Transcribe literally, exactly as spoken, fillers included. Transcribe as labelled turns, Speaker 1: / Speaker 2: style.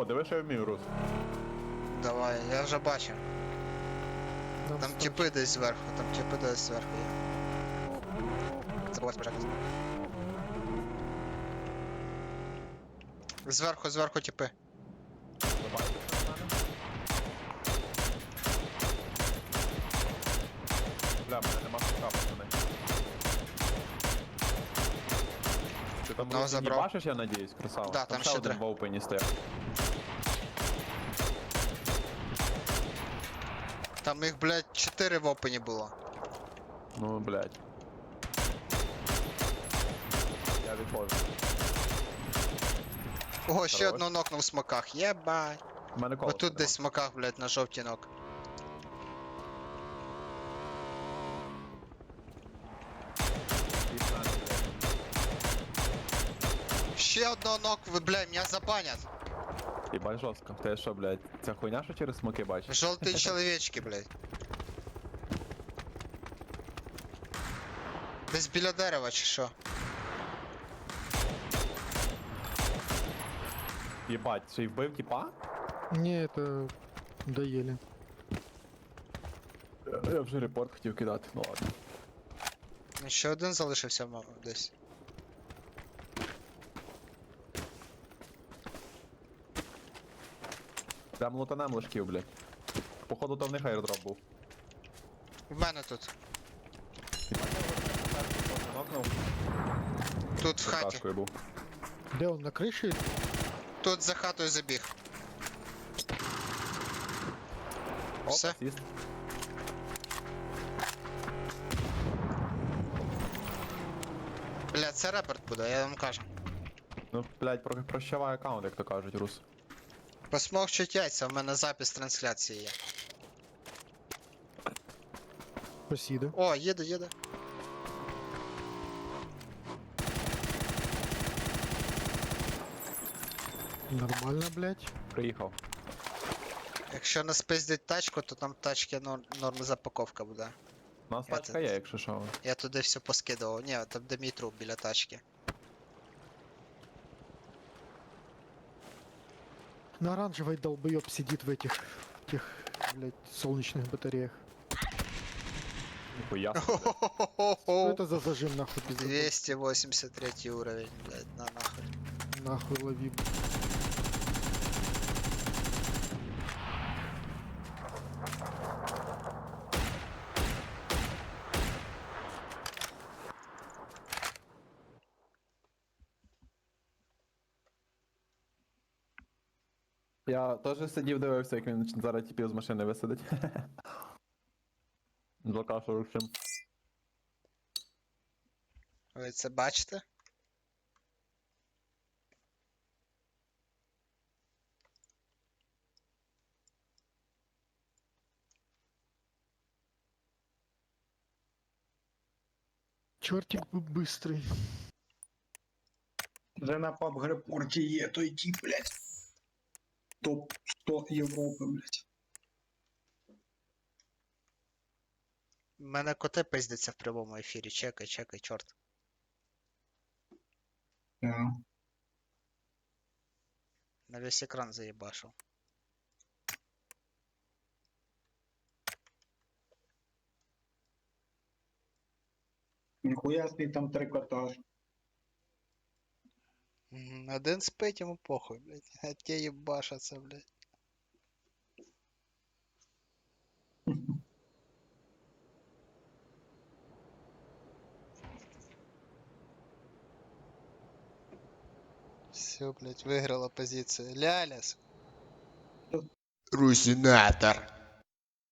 Speaker 1: диви, що я вмію, Рус.
Speaker 2: Давай, я вже бачив.
Speaker 3: Нам
Speaker 2: Там
Speaker 3: ста-
Speaker 2: тіпи десь зверху, там тіпи десь зверху є. Забувай спочатку. Зверху, зверху тіпи.
Speaker 1: Бля, в мене нема сука, пацани. Ти там
Speaker 2: Одного
Speaker 1: Рус, не
Speaker 2: забрав.
Speaker 1: бачиш, я надіюсь, красава?
Speaker 2: Да, там
Speaker 1: ще
Speaker 2: ще
Speaker 1: один
Speaker 2: три.
Speaker 1: в опені стояв.
Speaker 2: Там їх, блядь, чотири в опені було.
Speaker 1: Ну, блядь. Я відходжу.
Speaker 2: Ого, ще
Speaker 1: Хорош.
Speaker 2: одного нокнув в смоках, єбать.
Speaker 1: У мене коло.
Speaker 2: Отут десь в смоках, блядь, на жовтій нок. Ще одного нок, ви, блядь, мене забанять.
Speaker 1: Єбать жорстко. Ти що, блядь, ця хуйня, що через смоки бачиш?
Speaker 2: Жовті чоловічки, блядь. Десь біля дерева чи що?
Speaker 1: Єбать, чи й вбив тіпа?
Speaker 3: Не, это доели.
Speaker 1: Я вже репорт хотів кидати, ну ладно.
Speaker 2: Ще один залишився мо- десь.
Speaker 1: Прям лутанем лишків, блядь. Походу то в них аердроп був.
Speaker 2: В мене тут.
Speaker 1: Єбать, я вже нокнув.
Speaker 2: Тут в хаті.
Speaker 1: Кашкою був.
Speaker 3: Где он, на крыше?
Speaker 2: Тут за хатою забіг.
Speaker 1: Оп,
Speaker 2: Все.
Speaker 1: асіст.
Speaker 2: Бля, це репорт буде, я вам кажу.
Speaker 1: Ну, блядь, про- прощавай аккаунт, як то кажуть, Рус.
Speaker 2: Посмовчуть яйця, в мене запис трансляції є.
Speaker 3: Спасибо.
Speaker 2: О, їде, їде.
Speaker 3: Нормально, блядь.
Speaker 1: Приїхав.
Speaker 2: Якщо не спиздять тачку, то там тачки норм, норм запаковка буде.
Speaker 1: У нас
Speaker 2: Я
Speaker 1: тачка
Speaker 2: тут-
Speaker 1: є, якщо що.
Speaker 2: Я туди все поскидував. Ні, там де мій труп біля тачки.
Speaker 3: На оранжевой долбоеб сидит в этих, тех, блядь, солнечных батареях.
Speaker 1: Ніхуя.
Speaker 3: Что это за зажим, нахуй, пиздец?
Speaker 2: двести восемьдесят третий уровень, блядь, на нахуй.
Speaker 3: Нахуй лови.
Speaker 1: Я теж сидів, дивився, як він зараз тіпів з машини висадить. Блока сорок сім.
Speaker 2: Ви це бачите?
Speaker 3: Чертик бы быстрый.
Speaker 4: Вже на паб-грепорті є той тип, блядь. Топ сто Європи, блядь.
Speaker 2: У мене коти пиздяться в прямому ефірі. Чекай, чекай, чорт.
Speaker 4: Yeah.
Speaker 2: На весь екран заєбашив.
Speaker 4: Ніхуя собі там трикотаж.
Speaker 2: Мгм, Один спить, йому похуй, блядь. А ті їбашаться, блядь. Все, блядь, виграла позиція. Ляляс. Русинатор.